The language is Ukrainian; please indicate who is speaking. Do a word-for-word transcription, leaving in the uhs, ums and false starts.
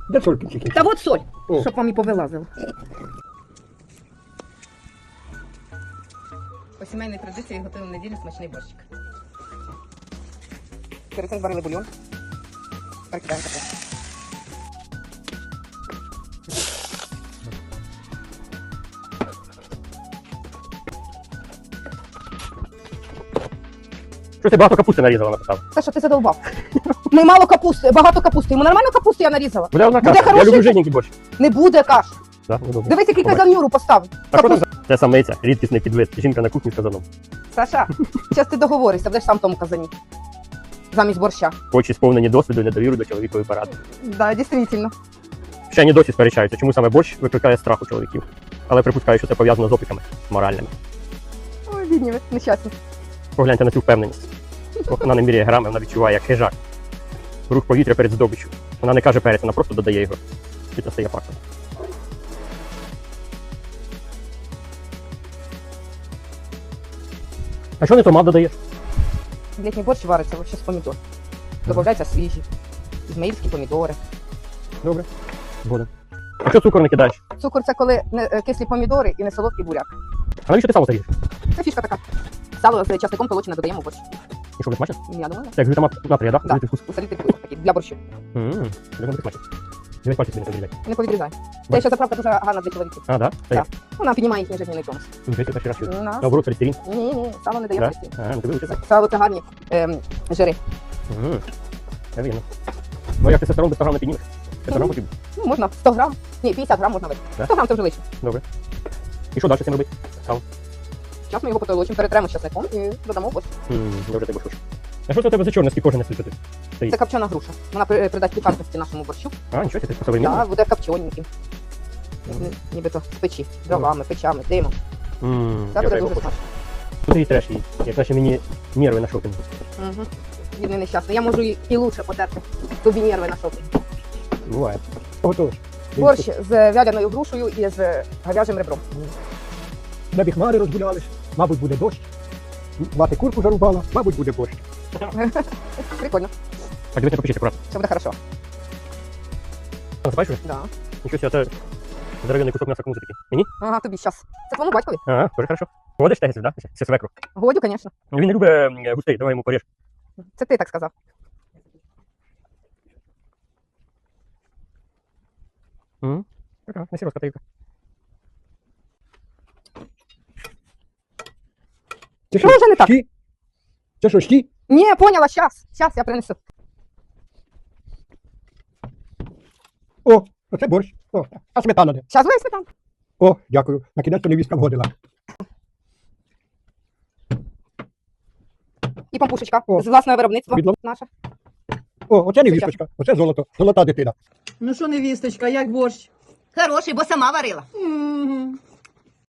Speaker 1: Де сольки тільки?
Speaker 2: Та от соль,
Speaker 1: О.
Speaker 2: щоб вам і повилазило. По сімейній традиції готуємо в неділю смачний борщик. Перед цим зварили бульйон. Перекидаємо таке.
Speaker 3: Що ти багато капусти нарізала, написав?
Speaker 2: Саша, ти задовбав. Ми мало капусти, багато капусти. Йому нормально капусти я нарізала?
Speaker 3: Буде одна
Speaker 2: Буде
Speaker 3: каша. Я
Speaker 2: хороший?
Speaker 3: люблю жирненький борщ.
Speaker 2: Не буде каш.
Speaker 3: Да? Ну, добре.
Speaker 2: Дивись, який
Speaker 3: Добре.
Speaker 2: казан Юру поставив.
Speaker 3: Так що там
Speaker 2: Капуст...
Speaker 3: за- Це самиця, рідкісний підвид. Жінка на кухні з казаном.
Speaker 2: Саша, зараз ти договоришся, будеш сам в тому казані. Замість борща.
Speaker 3: Очі сповнені досвіду і недовіру до чоловікової поради.
Speaker 2: Да, дійсно.
Speaker 3: Ще ні досі сперечаються, чому саме борщ викликає страх у чоловіків. Але припускаю, що це пов'язано з опіками моральними.
Speaker 2: Ой, бідні ви, нещасні.
Speaker 3: Погляньте на цю впевненість. Вона не міряє грами, вона відчуває як хижак. Рух повітря перед здобиччю. Вона не каже перець, вона просто додає його. І це стає фактом. А що не томат додаєш?
Speaker 2: Літній борщ вариться вообще з помідор. Добавляються свіжі, ізмаїльські помідори.
Speaker 3: Добре. Згоден. А що цукор не кидаєш?
Speaker 2: Цукор це коли не е, кислі помідори і не солодкий буряк.
Speaker 3: А навіщо ти сало ріжеш?
Speaker 2: Це фішка така. Сало з часником толочене додаємо в борщ.
Speaker 3: І що, не смачно?
Speaker 2: Я думаю,
Speaker 3: Це як глютамат натрія, так?
Speaker 2: Да.
Speaker 3: Да? Вкус.
Speaker 2: усолити вкус такий, для борщу.
Speaker 3: Ммм, як не смачно. Дивись, пальці собі не подрізай.
Speaker 2: Не повідрізай. Це ще заправка дуже гарна для чоловіків.
Speaker 3: А, да? Це
Speaker 2: Так. Вона піднімає їхній жизненний тонус.
Speaker 3: як? Перший раз чую.
Speaker 2: У нас-
Speaker 3: Наоборот, холестерин.
Speaker 2: Ні, ні, сало не дає
Speaker 3: Да?
Speaker 2: холестерин.
Speaker 3: А, ну ти вивчив.
Speaker 2: Сало це гарні ем, жири.
Speaker 3: Ммм, я вірно. Ну, як ти тестостерон без сто грам не піднімеш? п'ятсот грам потрібно.
Speaker 2: Ну, можна сто грам. Ні, п'ятдесят грам можна випити.
Speaker 3: Да?
Speaker 2: сто грам це вже лише.
Speaker 3: Добре. І що далі з цим робити?
Speaker 2: Зараз ми його потолочимо, перетремо з часником і додамо в борщ.
Speaker 3: Ммм, добре, ти борщ. А що це у тебе за чорне, скільки кожен не слухати?
Speaker 2: Це копчена груша. Вона при- придасть пікантності нашому борщу.
Speaker 3: А, нічого, ти по-современному.
Speaker 2: Так, буде копчененьким. Нібито з печі, дровами, печами, димом.
Speaker 3: Ммм,
Speaker 2: Це буде дуже смачно.
Speaker 3: Тут і треш її, як наші мені нерви на шопінгу.
Speaker 2: Угу. Бідний нещасний. Я можу і, і лучше потерти тобі нерви на шопінг.
Speaker 3: Буває.
Speaker 1: Готовиш.
Speaker 2: Борщ з вяляною грушею і з говяжим ребром.
Speaker 1: Небі хмари розгулялись, мабуть, буде дощ. Мати курку зарубала, мабуть, буде борщ.
Speaker 2: Прикольно.
Speaker 3: Так, дивись, не попишіть акуратно.
Speaker 2: Все буде хорошо.
Speaker 3: Насипаєш вже?
Speaker 2: Да.
Speaker 3: Нічого себе, це здоровенний кусок м'яса кому такий. Мені?
Speaker 2: Ага, тобі щас. Це твоєму батькові?
Speaker 3: Ага, дуже хорошо. Водиш тегець, да? Це свекру.
Speaker 2: Годю, звісно.
Speaker 3: Ну, він не любить м, густей, давай йому поріж.
Speaker 2: Це ти так сказав.
Speaker 3: Угу. Така, не сіроска таївка.
Speaker 1: Це
Speaker 2: Що вже не так?
Speaker 1: щі? Це що, щі?
Speaker 2: Ні, поняла, щас. Щас я принесу.
Speaker 1: О, оце борщ. О, а сметана де?
Speaker 2: Щас весь сметан.
Speaker 1: О, дякую. На кінець невістка вгодила.
Speaker 2: І пампушечка.
Speaker 1: О.
Speaker 2: З власного виробництва.
Speaker 1: Відлом.
Speaker 2: Наша.
Speaker 1: О, оце невісточка, оце золото, золота дитина.
Speaker 4: Ну що, невісточка, як борщ?
Speaker 2: Хороший, бо сама варила.
Speaker 4: М,